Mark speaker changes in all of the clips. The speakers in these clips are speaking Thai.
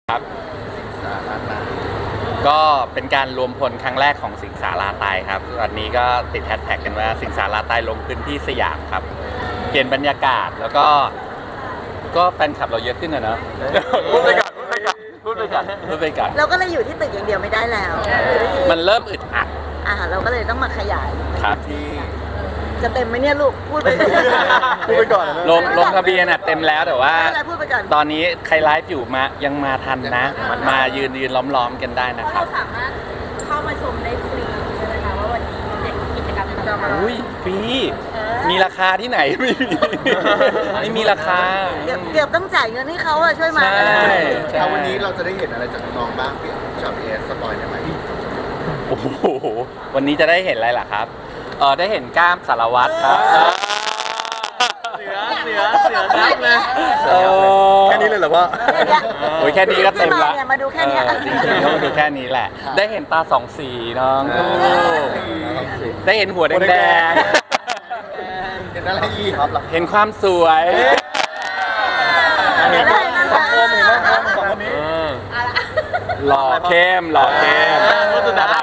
Speaker 1: ครับก็เป็นการรวมพลครั้งแรกของสิงสาราตายครับวันนี้ก็ติดแฮชแท็กกันว่าสิงสาราตายลงพื้นที่สยามครับเปลี่ยนบรรยากาศแล้วก็แฟนคลับเราเยอะขึ้นนะเนาะพูดไปก่อน
Speaker 2: เราก็เลยอยู่ที่ตึกอย่างเดียวไม่ได้แล้ว
Speaker 1: มันเริ่มอึดอัด
Speaker 2: เราก็เลยต้องมาขยาย
Speaker 1: ครับที่
Speaker 2: จะเต็มไหมเนี่ยลูกพูดไป
Speaker 3: พูดไปก่อนนะ
Speaker 1: ลงทะเบียนเต็มแล้วแต่ว่า
Speaker 2: อะไรพูดไปก่อน
Speaker 1: ตอนนี้ใครไลฟ์อยู่ยังมาทันนะมายืนล้อมกันได้นะครั
Speaker 4: เรา
Speaker 1: บ
Speaker 4: สามารถเข้ามาชมได้ฟรีใช่ไหมคะว่าวันนี้เด็กกิจกรรมจะมา
Speaker 1: อุ้ยฟรีมีราคาที่ไหนไม่มีราคา
Speaker 2: เกือบต้องจ่ายเงินให้เขาอะช่วยมา
Speaker 1: ใช่
Speaker 3: เอาวันนี้เราจะได้เห็นอะไรจากน้องๆบ้างพี่ชอบเอสสปอยได้ไหม
Speaker 1: โอ้โหวันนี้จะได้เห็นอะไรล่ะครับได้เห็นกล้ามสารวัตรครับ
Speaker 3: เสือนักเลยแค่นี้เลยเหรอพ่อ
Speaker 1: โอ้ยแค่นี้ก็เต็มละ
Speaker 2: มาดูแค่เนี้ย
Speaker 1: จริงๆก็มาดูแค่นี้แหละ ได้เห็นตาสองสีน้องได้เห็นหัวแดง
Speaker 3: เห็นอะไรอีกครับ
Speaker 1: ๆเห็นความสวย
Speaker 2: เห็นอะไรนั่น
Speaker 3: สองคนเห็นไหมครับสองคนนี้
Speaker 1: หล่อเข้ม
Speaker 3: คนสุดท้าย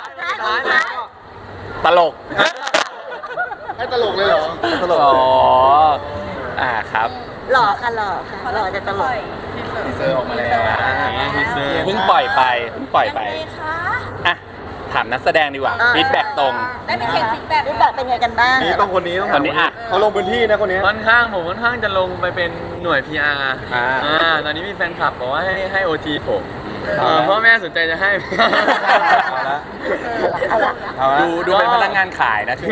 Speaker 1: ตลก
Speaker 3: ให้ตลกเลยเหรอตลก
Speaker 1: อ๋อครับ
Speaker 2: หล่อค่ะหล่อจะตลก
Speaker 3: ทีเซอร์ออกมาแล้ว
Speaker 1: เพิ่งปล่อยไป
Speaker 4: ยังไงคะ
Speaker 1: อ่ะถามนักแสดงดีกว่าฟีดแบ็กตรง
Speaker 4: ได้ไปเช็คฟีดแบ็ก
Speaker 2: ฟีดแบ็กเป็นไงกันบ้าง
Speaker 3: นี่ต้องคนนี้ต้อง
Speaker 1: คนนี้อ่ะ
Speaker 3: เขาลงพื้นที่นะคนนี้
Speaker 5: ผมค่อนข้างจะลงไปเป็นหน่วย PR ตอนนี้มีแฟนคลับบอกว่าให้ OT ผมพ่อแม่สนใจจะให้
Speaker 1: ดูเป็นพนักงานขายนะที่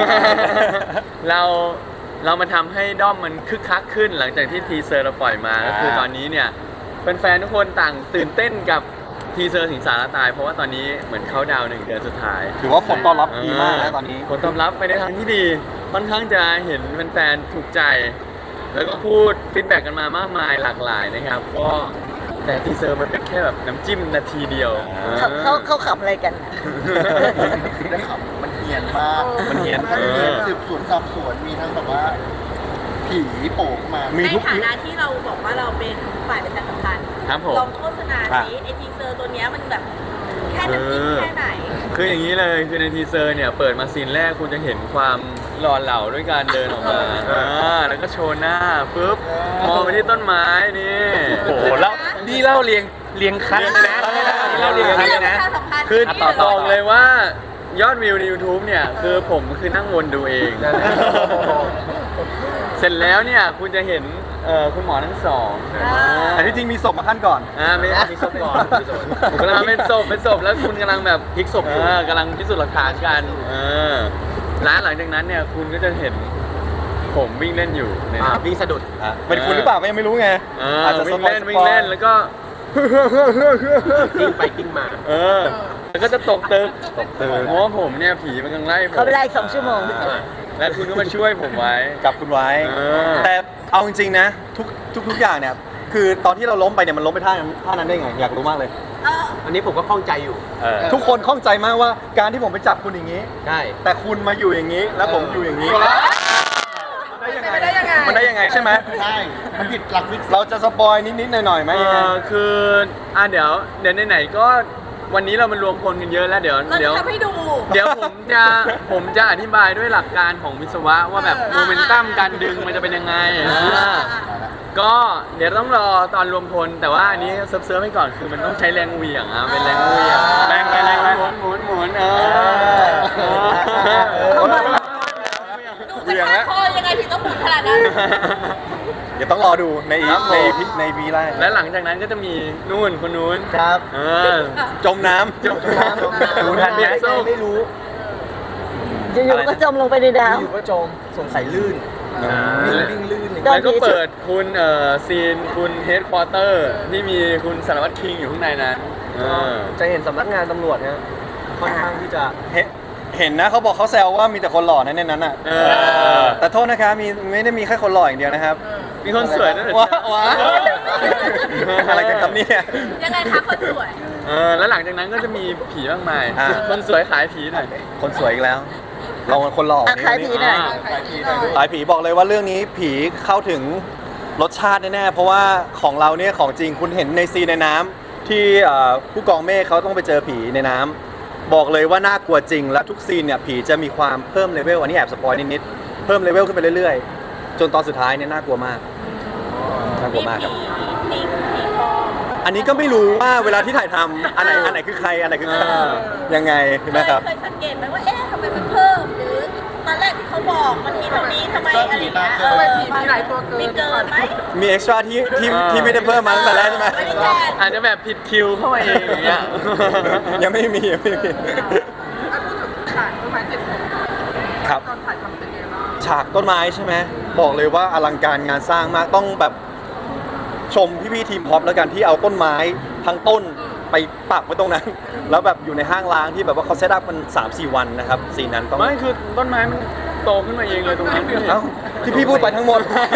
Speaker 5: เรามาทำให้ด้อมมันคึกคักขึ้นหลังจากที่ทีเซอร์เราปล่อยมาก็คือตอนนี้เนี่ยแฟนๆทุกคนต่างตื่นเต้นกับทีเซอร์สิงสารตายเพราะว่าตอนนี้เหมือนเข้าดาวน์1 เดือนสุดท้าย
Speaker 3: ถือว่าผลตอบรับดีมากนะตอนนี้
Speaker 5: ผลตอบรับไปในทางที่ดีค่อนข้างจะเห็นแฟนๆถูกใจ แล้วก็พูดฟีดแบ็กกันมามากมายหลากหลายนะครับก็แต่ทีเซอร์มันเป็นแค่แบบน้ำจิ้มนาทีเดียว
Speaker 2: เขาขำอะไรกัน
Speaker 3: ได้ข่าวมันเฮียนมาก
Speaker 1: มันเฮี้ยน
Speaker 3: ทั้งสืบสวนสอบสวนมีทั้งแบบว่าผีโผล่มา
Speaker 4: ในฐานะที่เราบอกว่าเราเป็นฝ่ายประชาสัมพันธ์
Speaker 5: ครับผม
Speaker 4: ลองโฆษณาสิไอทีเซอร์ตัวเนี้ยมันแบบแค่น้ำจิ้มแค่ไหน
Speaker 5: คืออย่างนี้เลยคือในทีเซอร์เนี่ยเปิดมาซีนแรกคุณจะเห็นความหล่อเหลาด้วยการเดินออกมาแล้วก็โชว์หน้าปุ๊บมองไปที่ต้นไม้นี่
Speaker 1: โอ้โหแล้วนี่เล่าเรียงคัดเลยนะนี่เล่าเรียงคัดเลยนะ
Speaker 5: คือ
Speaker 1: ต่อ
Speaker 5: บอกเลยว่ายอดวิวใน YouTube เนี่ยคือผมคือนั่งวนดูเอง เสร็จแล้วเนี่ยคุณจะเห็นคุณหมอทั้งสอง
Speaker 3: แต่ที่จริงมีศพมาขั้นก่อน
Speaker 5: ไม่มีศพก่อนกำลังเป็นศพแล้วคุณกำลังแบบพลิกศพกำลังพิสูจน์หลักฐานกันแล้วหลังจากนั้นเนี่ยคุณก็จะเห็นผมวิ่งเล่นอยู่ในนั้น
Speaker 3: วิ่งสะดุดเป็นคุณหรือเปล่าก็ยังไม่รู้ไง
Speaker 5: อาจจะวิ่งเล่นแล้วก็
Speaker 3: กิ้งไปกิ้งมา
Speaker 5: แล้วก็จะตกตึกเพราะว่าผมเนี่ยผีมันกำลังไล่ผม
Speaker 2: เขาไปไล่2 ชั่วโมง
Speaker 5: และคุณก็มาช่วยผมไว้
Speaker 3: จับคุณไว้ แต่เอาจริงๆนะทุกอย่างเนี่ยคือตอนที่เราล้มไปเนี่ยมันล้มไปท่านั้นได้ไงอยากรู้มากเลย
Speaker 6: อันนี้ผมก็ข้องใจอยู่
Speaker 3: ทุกคนข้องใจมากว่าการที่ผมไปจับคุณอย่างนี้
Speaker 6: ใช่
Speaker 3: แต่คุณมาอยู่อย่างนี้ แล้วผมอยู่อย่างนี้มันได้ยังไงใช่ไหมใช่มันผิดหลักวิทย์เราจะสปอยนิดๆหน่อยๆไหมยังไง
Speaker 5: คือเดี๋ยวไหนๆก็วันนี้เรามันรวมพลกันเยอะแล้วเดี๋ยว
Speaker 4: เราจะทำให้ดู
Speaker 5: เดี๋ยวผมจะอธิบายด้วยหลักการของวิศวะว่าแบบโมเมนตัมการดึงมันจะเป็นยังไงก็เดี๋ยวต้องรอตอนรวมพลแต่ว่าอันนี้เซิร์ฟไว้ก่อนคือมันต้องใช้แรงเหวี่ยงเป็นแรงเหวี่ยงแรงหมุน
Speaker 4: ดูจะฆ่าคอยังไงถึงต้องหมุนขนาดนั้น
Speaker 3: เดี๋ยวต้องรอดูในวีไลน์
Speaker 5: และหลังจากนั้นก็จะมีคนนู้น
Speaker 3: ครับจมน้ำ
Speaker 5: ดูทันไหม
Speaker 6: ไม่รู้
Speaker 2: อยู่ๆก็จมลงไปในน้
Speaker 6: อยู่ก็จมสงสัยลื่นวิ่งลื่น
Speaker 5: แล้วก็เปิดคุณซีนคุณเฮดควอเตอร์ที่มีคุณสารวัตรคิงอยู่ข้างในนั้น
Speaker 6: จะเห็นสำนักงานตำรวจเนี่ยค่อนข้างที่จะ
Speaker 3: เห็นนะเขาบอกเขาแซวว่ามีแต่คนหล่อในนั้นอ่ะแต่โทษนะครับไม่ได้มีแค่คนหล่ออย่างเดียวนะครับ
Speaker 5: มีคนสวยด้วยเหรอ
Speaker 3: ว้าอะไรกันครับเนี่ย
Speaker 4: ยังไงคะคนสวย
Speaker 5: แล้วหลังจากนั้นก็จะมีผีมากมาย คนสวยขายผีหน่อย
Speaker 3: คนสวยอีกแล้ว เราเป็นคนหล่อ
Speaker 2: ำขายผีหน่อย
Speaker 3: ขายผีบอกเลยว่าเรื่องนี้ผีเข้าถึงรสชาติแน่ๆเพราะว่าของเราเนี่ยของจริงคุณเห็นในซีนในน้ำที่ผู้กองเมฆเขาต้องไปเจอผีในน้ำบอกเลยว่าน่ากลัวจริงและทุกซีนเนี่ยผีจะมีความเพิ่มเลเวลอันนี้แอบสปอยนิดๆเพิ่มเลเวลขึ้นไปเรื่อยๆจนตอนสุดท้ายเนี่ยน่ากลัวมากน่ากลัวมากครับ
Speaker 4: มีพอ
Speaker 3: อันนี้ก็ไม่รู้ว่าเวลาที่ถ่ายทำอันไหนคือใครอันไหนคือใครยังไงนะครับ
Speaker 4: เคยสังเกตไหมว่าเอ๊ะทำไมมันเพิ่มหรือตอนแรกที่เขาบอกมันมีเท่านี้ทำไมอะไรเงี้ยมีหลายตัวเกินมีเกินไหม
Speaker 3: มีเอ็กซ์ตร้าที่ไม่ได้เพิ่มมาตั้งแต่แรกใช่ไหม
Speaker 4: ไม่ได้แทน
Speaker 5: อาจจะแบบผิดคิวเข้ามาเองอย่างเงี้ย
Speaker 3: ยังไม่มีครับฉากต้นไม้ใช่ไหมบอกเลยว่าอลังการงานสร้างมากต้องแบบชมพี่ๆทีมพ็อปแล้วกันที่เอาต้นไม้ทั้งต้นไปปักไว้ตรงนั้น แล้วแบบอยู่ในห้างร้างที่แบบว่าเขาเซตอัพมัน 3-4 วันนะครับซีนนั้นต้อง
Speaker 5: ไม่คือต้นไม้มันโตขึ้นมาเองเลยตรงนั้น
Speaker 3: เอ้าที่พี่พูดไปทั้งหมด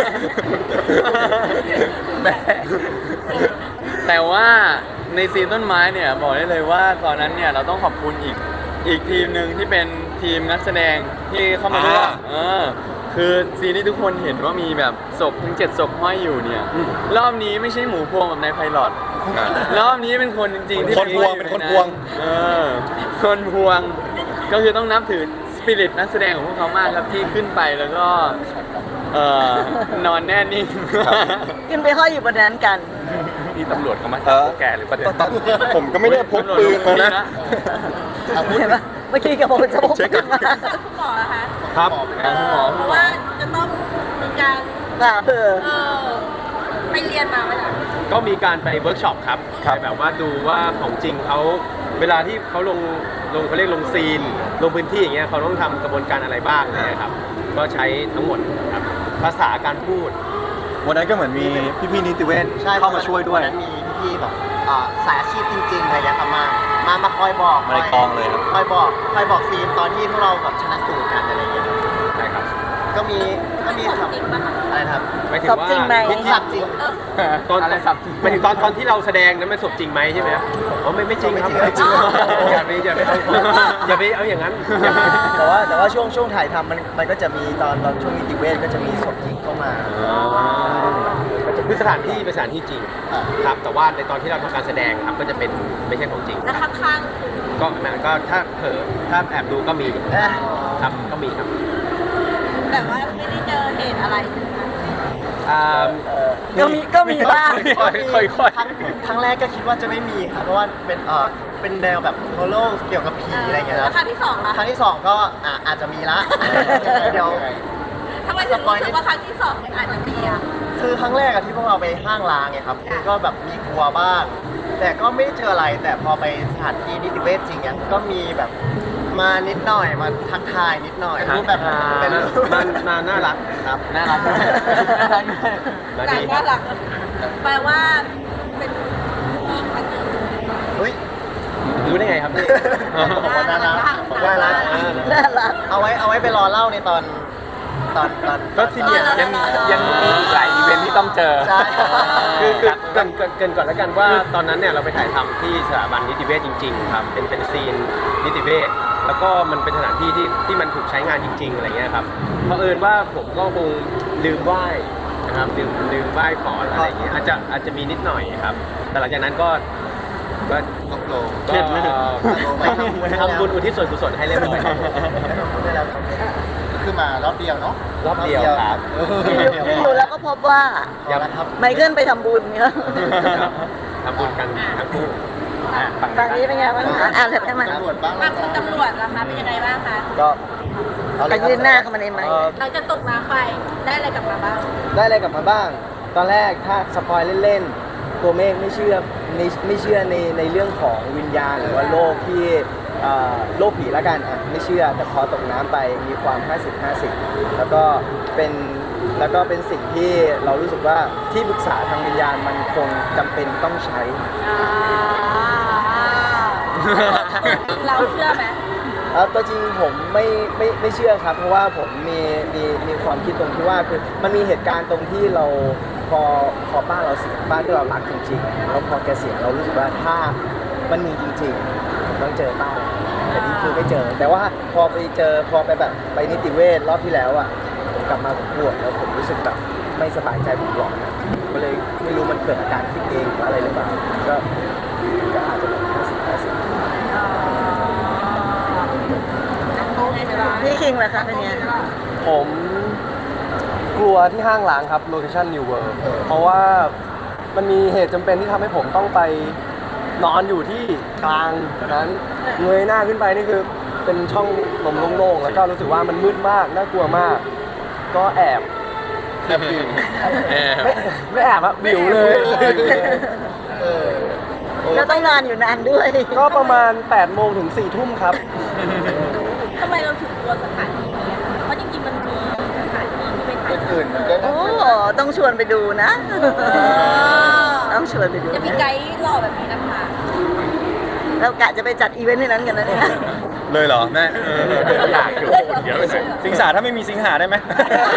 Speaker 5: แต่ว่าในซีนต้นไม้เนี่ยบอกได้เลยว่าตอนนั้นเนี่ยเราต้องขอบคุณอีกทีมหนึ่งที่เป็นทีมนักแสดงที่เข้ามาร่วมคือซีนที่ทุกคนเห็นว่ามีแบบศพถึง7ศพห้อยอยู่เนี่ยรอบนี้ไม่ใช่หมูพวงแบบในไพลอตรอบนี้เป็นคนจริงๆที่
Speaker 3: คนพวงเป็นคนพวง
Speaker 5: คนพวงก็คือต้องนับถือสปิริตนักแสดงของพวกเขามากครับที่ขึ้นไปแล้วก็นอนแน่นิ่ง
Speaker 2: ขึ้นไปห้อยอยู่บนนั้นกัน
Speaker 1: นี่ตำรวจเขามา
Speaker 3: เอ
Speaker 1: จับ
Speaker 3: อ
Speaker 1: พวกแกหรือประเด็น
Speaker 3: ผมก็ไม่ได้พกปืนมานะ
Speaker 2: เห็นปะเมื่อกี้กับผมจะพก
Speaker 3: เช็คก่
Speaker 2: ขึ้
Speaker 3: อน
Speaker 2: นมา
Speaker 4: คุณหมอนะคะ
Speaker 5: ครับหมอ
Speaker 4: เพราะว่าจะต้องมีการ ไปเรียนมาไหมล่ะ
Speaker 6: ก็มีการไปเวิร์กช็อปครับไปแบบว่าดูว่าของจริงเขาเวลาที่เขาลงเขาเรียกลงซีนลงพื้นที่อย่างเงี้ยเขาต้องทำกระบวนการอะไรบ้างเนี่ยครับก็ใช้ทั้งหมดครับภาษาการพูด
Speaker 3: วันนั้นก็เหมือนมีพี่ๆนิติเวชเข้ามาช่วยด้วย
Speaker 7: มีพี่ๆแบบสายอาชีพจริงๆอะไรอย่างเงี้ยครับมาคอยบอก
Speaker 3: มาในกองเลยครับ
Speaker 7: คอยบอกซีนตอนที่พวกเราแบบชนะสูตรกันอะไรอย่างเงี้ยครับ
Speaker 6: ใช่ครับ
Speaker 7: ก็มี
Speaker 4: สอบจริงปะคะ
Speaker 7: อะไรนะครับ
Speaker 6: หมายถึง
Speaker 2: สอบ
Speaker 6: ว่า
Speaker 2: จริงไหม
Speaker 7: ผมสับจริง
Speaker 6: ตอน
Speaker 5: อะไรครับ
Speaker 6: หมายถึงตอนที่เราแสดงนั้นมันสมจริงไหมใช่ไหมครับอ๋อไม่จริงครับ
Speaker 7: ไม่จริง
Speaker 6: อย่าไปเอาอย่างนั้น
Speaker 7: แต่ว่าช่วงถ่ายทำมันก็จะมีตอนช่วงนิติเวชก็จะมีศพจริงเข้ามา
Speaker 6: คือสถานที่เป็นสถานที่จริงครับแต่ว่าในตอนที่เราทำการแสดงครับก็จะเป็นไม่ใช่ของจริง
Speaker 4: แล้วข้างๆคือ
Speaker 6: ก็ถ้าเผลอถ้าแอบดูก็มีครับก็มีครับ
Speaker 4: แบบว่าไม่ได้เจอเหตุอะไรใช่ไหมคะ
Speaker 2: ก็มีบ้าง
Speaker 5: ค่อยๆ
Speaker 7: ครั้งแรกก็คิดว่าจะไม่มีครับเพราะว่าเป็นแนวแบบโฮโลเกี่ยวกับผีอะไรอย่างเงี้ย
Speaker 4: แล้ว
Speaker 7: นะ
Speaker 4: ครั้งที่สองล่ะ
Speaker 7: ครั้งที่สองก็อาจจะมีละเดี๋ยว
Speaker 4: ทำไมถึงรู้สึกว่าครั้งที่สองมันอาจจะมีอ่ะ
Speaker 7: คือครั้งแรกอะที่พวกเราไปห้างร้างไงครับก็แบบมีกลัวบ้าง แต่ก็ไม่ได้เจออะไรแต่พอไปสถานที่นิติเวชจริงเนี่ยก็มีแบบมานิดหน่อยมาทักทายนิดหน่อยรูปแบบเป็นรูป
Speaker 6: มันน่ารักครับ
Speaker 5: น่ารัก
Speaker 6: มา
Speaker 4: หลั
Speaker 6: ดี
Speaker 4: งว่าหลังแปลว่าเป็นผู้หญิงคนหนึ่ง
Speaker 7: เฮ้ย
Speaker 6: รู้ได้ไงครับพี่
Speaker 7: บอกว่าน่ารักบอกว่าน่ารัก
Speaker 2: น่ารัก
Speaker 7: เอาไว้ไปรอเล่าในตอน
Speaker 6: ก็ซีเนียร์
Speaker 1: ยังมีอีกหลายอีเวนท์ที่ต้องเจอ
Speaker 7: ใช่
Speaker 6: คือเกรินก่อนแล้วกันว่าตอนนั้นเนี่ยเราไปถ่ายทำที่สถาบันนิติเวชจริงๆครับเป็นซีนนิติเวชแล้วก็มันเป็นสถานที่ที่มันถูกใช้งานจริงๆอะไรเงี้ยครับเผอิญว่าผมก็คงลืมไหว้นะครับลืมไหว้ขออะไรอย่างเงี้ยอาจจะมีนิดหน่อยครับ แต่หลังจากนั้นก็เครียดเลยทำบุญอุทิศส่วนกุศลให้เรียบร้อย
Speaker 7: คือมารอบเดียวเนาะ
Speaker 6: รอบเดียวครับ
Speaker 2: ดูแล้วก็พบว่า
Speaker 6: อย่า
Speaker 2: ไมเคิลไปทำบุญเนี่ย
Speaker 6: ทำบุญกันทั้งคู่
Speaker 2: ฝั่งนี้เป็นไงบ้างคะอ่านเลยได้ไหม
Speaker 7: ตำรวจบ้าง
Speaker 4: บางคุณตำรวจล่ะคะเป็นยังไงบ้างคะ
Speaker 7: ก็
Speaker 2: ไปยืนหน้าเข้ามาในไมค์
Speaker 4: หลังจากตกน้ำไปได้อะไรกลับมาบ้าง
Speaker 7: ได้อะไรกลับมาบ้าง ตอนแรกถ้าสปอยเล่นๆตัวเมฆไม่เชื่อในเรื่องของวิญญาณหรือว่าโลกที่โลกผีละกันไม่เชื่อแต่พอตกน้ำไปมีความ 50-50 แล้วก็เป็นสิ่งที่เรารู้สึกว่าที่ปรึกษาทางวิญญาณมันคงจำเป็นต้องใช้
Speaker 4: เราเชื่อไหม
Speaker 7: ตัวจริงผมไม่เชื่อครับ เพราะว่าผมมีความคิดตรงที่ว่าคือมันมีเหตุการณ์ตรงที่เราพอบ้านเราเสียบ้านที่เรารักจริงๆแล้วพอแกเสียเรารู้สึกว่าถ้ามันมีจริงๆต้องเจอบ้านแต่นี่คือไม่เจอ แต่ว่าพอไปแบบไปนิติเวชรอบที่แล้วผมกลับมาผมปวดแล้วผมรู้สึกแบบไม่สบายใจผมหลอนก็เลยไม่รู้มันเกิดอาการคิดเองหรืออะไรหรือเปล่าก็
Speaker 2: พี่คิงเหรอคะเป็นไง
Speaker 7: ผมกลัวที่ห้างล้างครับโลเคชั่น New World เพราะว่ามันมีเหตุจำเป็นที่ทำให้ผมต้องไปนอนอยู่ที่กลางนั้นเงยหน้าขึ้นไปนี่คือเป็นช่องลมโล่งๆแล้วก็รู้สึกว่ามันมืดมากน่ากลัวมาก ก็แอบวิวไม่แอบอะวิวเลย
Speaker 2: แล้วต้องนอนอยู่นานด้วย
Speaker 7: ก็ประมาณ8 โมงถึง 4 ทุ่มครับ
Speaker 4: ทำไมเราถึงกลัวสถานที่นี้อะเพราะจริงๆมันมีสถานที่ที่ไปถ่าย
Speaker 3: อื่นมันก็
Speaker 2: โอ้ต้องชวนไปดูนะ ต้องชวนไปดู
Speaker 4: จะมีไกด์หล่อแบบนี้นะคะ
Speaker 2: เรากะจะไปจัดอีเวนต์ในนั้นกันนะเนี่ย
Speaker 3: เลยเหรอแม่
Speaker 1: อยากอยู่เดี๋ยวไปเลย
Speaker 3: สิงสาถ้าไม่มีสิงหาได้ไหม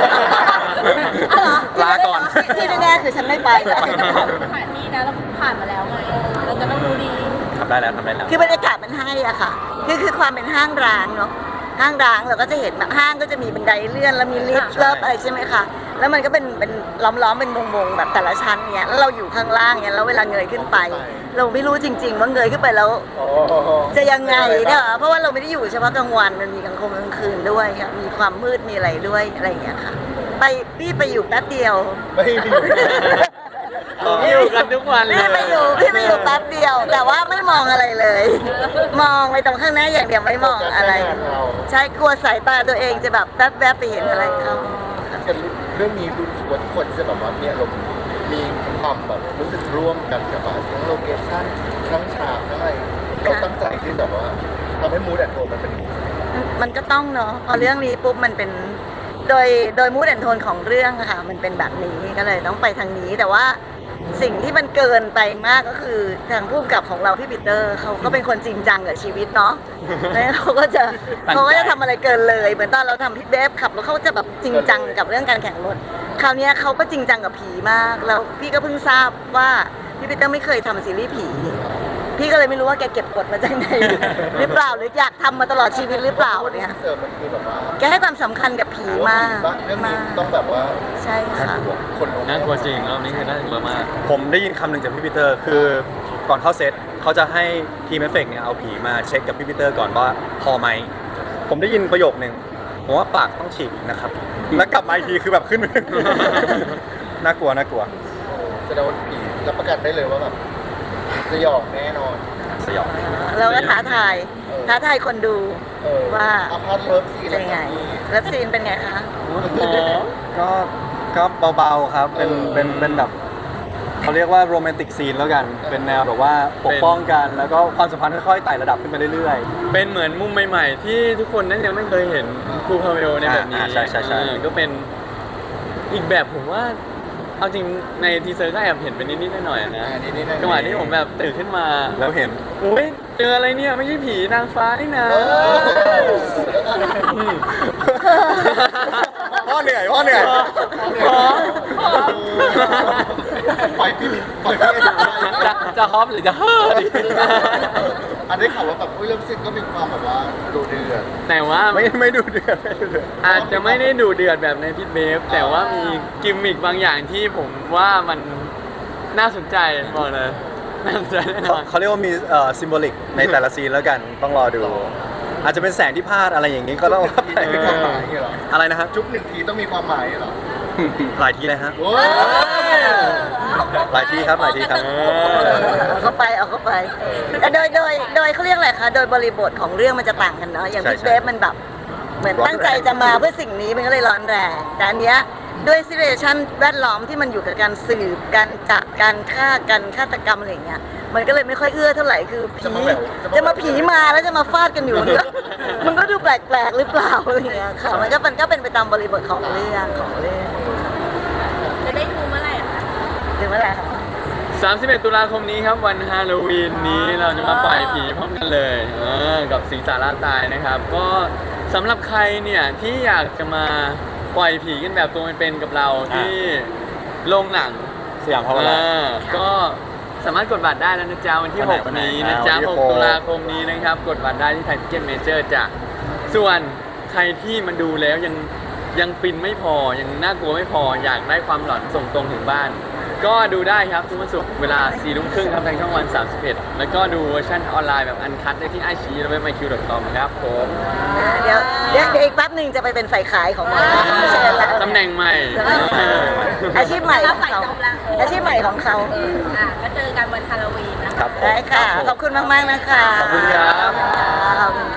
Speaker 3: ลาก่อน
Speaker 2: ที่แน่ๆคือฉันไม่ไป
Speaker 4: สถานที่นะเราผ่านมาแล้วไงเราจะต้องรู้ดี
Speaker 3: ทำได้แล้วทำได้แล้ว
Speaker 2: คือบรรยากาศมันให้อะค่ะคือความเป็นห้างร้างเนาะห้างร้างเราก็จะเห็นแบบห้างก็จะมีบันไดเลื่อนแล้วมีลิฟต์เลิฟอะไรใช่ไหมคะแล้วมันก็เป็นล้อมๆเป็นวงๆแบบแต่ละชั้นเนี้ยแล้วเราอยู่ข้างล่างเนี้ยแล้วเวลาเงยขึ้นไป เราไม่รู้จริง ๆ ว่าเงยขึ้นไปแล้วจะยังไงเนี่ยเพราะว่าเราไม่ได้อยู่เฉพาะกลางวันมันมีกลางคืนด้วยค่ะมีความมืดมีอะไรด้วยอะไรอย่างเงี้ยค่ะพี่ไปอยู่แป๊บเดียว
Speaker 3: ไม่มี
Speaker 5: ผมอยู่กันทุกวันเลย
Speaker 2: พี่ไปอยู่แป๊บเดียว แต่ว่าไม่มองอะไรเลย มองไปตรงข้างหน้าอย่างเดียวไม่มองอะไร ใช่กลัวสายตาตัวเองจะแบบแป๊บๆไปเห็นอะไรเขา
Speaker 8: เรื่องนี้ดูว่าทุกคนจะแบบว่ามีอารมณ์มีความแบบรู้สึกร่วมกันกับว่าทั้งโลเคชั่นทั้งฉากทั้งอะไรเราตั้งใจที่แบบว่าทำให้มูดแอนโทนมันเป็นอย่างนี้
Speaker 2: มันก็ต้องเนาะพอเรื่องนี้ปุ๊บมันเป็นโดยมูดแอนโทนของเรื่องอะค่ะมันเป็นแบบนี้ก็เลยต้องไปทางนี้แต่ว่าสิ่งที่มันเกินไปมากก็คือทางผู้กำกับของเราพี่ปีเตอร์เขาก็เป็นคนจริงจังกับชีวิตเนาะแล้วเขาก็จะทำอะไรเกินเลยเหมือนตอนเราทำพี่เบฟขับรถเขาจะแบบจริงจังกับเรื่องการแข่งรถคราวนี้เขาก็จริงจังกับผีมากแล้วพี่ก็เพิ่งทราบว่าพี่ปีเตอร์ไม่เคยทำซีรีส์ผีพี่ก็เลยไม่รู้ว่าแกเก็บกดมาจากไหนหรือเปล่าหรืออยากทำมาตลอดชีวิตหรือเปล่าเนี่ย
Speaker 8: เสิร์ฟมันคือแบบว่า
Speaker 2: แกให้ความสำคัญกับผีมาก
Speaker 8: เรื่องนี้ต้องแบบว่า
Speaker 2: ใช่ค่ะ
Speaker 8: คน
Speaker 5: น่ากลัวจริงรอบนี้คือน่ากลัวมาก
Speaker 3: ผมได้ยินคำหนึ่งจากพี่ปีเตอร์ คือก่อนเข้าเซตเขาจะให้ทีมเอฟเฟกต์เนี่ยเอาผีมาเช็คกับพี่ปีเตอร์ก่อนว่าพอไหมผมได้ยินประโยคนึงผมว่าปากต้องฉีกอีกนะครับ แล้วกลับมาอีกทีคือแบบขึ้น น่ากลัว
Speaker 8: แสดงว่าผีรับประกันได้เลยว่าแบบสยองแน่นอน
Speaker 3: สยอง
Speaker 2: เราก็ท้าทายคนดู ว่า
Speaker 8: อาพาร์ตเลิฟซีน
Speaker 2: เป็นไงเลิฟซีนเป็นไงคะ
Speaker 3: ก็เบาๆครับเป็นแบบเขาเรียกว่าโรแมนติกซีนแล้วกัน เป็นแนวแบบว่าปกป้องกันแล้วก็ความสัมพันธ์ค่อยๆไต่ระดับขึ้นไปเรื่อย
Speaker 5: เป็นเหมือนมุมใหม่ๆ ที่ทุกคนนั้นยังไม่เคยเห็นครูพาเวลในแบบนี้
Speaker 3: ใช่
Speaker 5: ก็เป็นอีกแบบผมว่าเอาจริงในทีเซอร์ก็แอบเห็นเป็นนิดๆหน่อยๆนะจังหวะที่ผมแบบตื่นขึ้นมา
Speaker 3: ๆแล้วเห็น
Speaker 5: โอ้ยเจออะไรเนี่ยไม่ใช่ผีนางฟ้านี่นะ
Speaker 3: พ่อเหนื่อย
Speaker 8: ปล่อยพี่
Speaker 5: จะฮอปหรือจะเฮ้อดี
Speaker 8: อันนี้ข่าวว่าแบบเรื่องซีนก็มีความแบบว่าดูเดือด
Speaker 5: แต่ว่า
Speaker 3: ไม่ดูเดือด
Speaker 5: อาจจะไม่ได้ดูเดือดแบบในพิทเบฟแต่ว่ามีกิมมิคบางอย่างที่ผมว่ามันน่าสนใจบอกเลยน่าสนใจแน่นอน
Speaker 3: เขาเรียกว่ามีซิมโบลิกในแต่ละซีนแล้วกันต้องรอดู อาจจะเป็นแสงที่พลาดอะไรอย่างนี้ก็ต้องว่าไป
Speaker 8: มีความหมายเหรอ
Speaker 3: อะไรนะฮะ
Speaker 8: จุ๊บหนึ่งทีต้องมีความหมายเหรอ
Speaker 3: หลายทีเลยฮะ
Speaker 8: โอ้ย
Speaker 3: หลายทีครับ
Speaker 2: เอาเข้าไปแต่โดยเขาเรียกอะไรคะโดยบริบทของเรื่องมันจะต่างกันเนาะอย่าง
Speaker 3: ใช่
Speaker 2: พี่เบฟมันแบบเหมือนตั้งใจจะมาเพื่อสิ่งนี้มันก็เลยร้อนแรงแต่อันเนี้ยด้วยซิเรชันแวดล้อมที่มันอยู่กับการสืบการจับการฆ่ากันฆาตกรรมอะไรอย่างเงี้ยมันก็เลยไม่ค่อยเอื้อเท่าไหร่คือผีจะมาผีมาแล้วจะมาฟาดกันอยู่มันก็ดูแปลกๆหรือเปล่าอะไรอย่างเงี้ยค่ะมันก็เป็นไปตามบริบทของเรื่อง
Speaker 4: จะได้ดูเมื่อไหร่อะคะ
Speaker 2: ถึงเมื่อไหร่คะ
Speaker 5: 31 ตุลาคมนี้ครับวันฮาโลวีนนี้เราจะมาปล่อยผีพร้อมกันเลยกับสิงสาราตายนะครับ ก็สำหรับใครเนี่ยที่อยากจะมาปล่อยผีกันแบบตัวเป็นๆกับเราที่โรงหนัง
Speaker 3: สยามพาวเวอร์ไลน์
Speaker 5: ก็สามารถกดบัตรได้แล้วนะจ๊ะวันที่
Speaker 3: วันไหน
Speaker 5: 6 นี้นะจ๊ะ
Speaker 3: วันที่
Speaker 5: 6
Speaker 3: 6
Speaker 5: ตุลาคมนี้นะครับ กดบัตรได้ที่ไทยทิเก็ตเมเจอร์จ้ะส่วนใครที่มันดูแล้วยังฟินไม่พอยังน่ากลัวไม่พออยากได้ความหลอนส่งตรงถึงบ้านก็ดูได้ครับทุกวันศุกร์เวลา4 ทุ่มครึ่งครับทางช่องวัน 31 แล้วก็ดูเวอร์ชันออนไลน์แบบอันคัทได้ที่ไอชีและเว็บ myq.com ครับผม
Speaker 2: เดี๋ยวอีกแป๊บหนึ่งจะไปเป็นฝ่ายขายของมันเชิญแล้ว
Speaker 5: ตำแหน่งใหม่
Speaker 2: อาชีพใหม่ของเขาอาชีพใหม่ของเขา
Speaker 4: ก็เจอกันวันฮาโลวีนนะคะ
Speaker 3: ครับผม
Speaker 2: ได้ค่ะ ขอบคุณมากๆนะคะ
Speaker 5: ขอบคุณครับ
Speaker 2: ขอบคุณ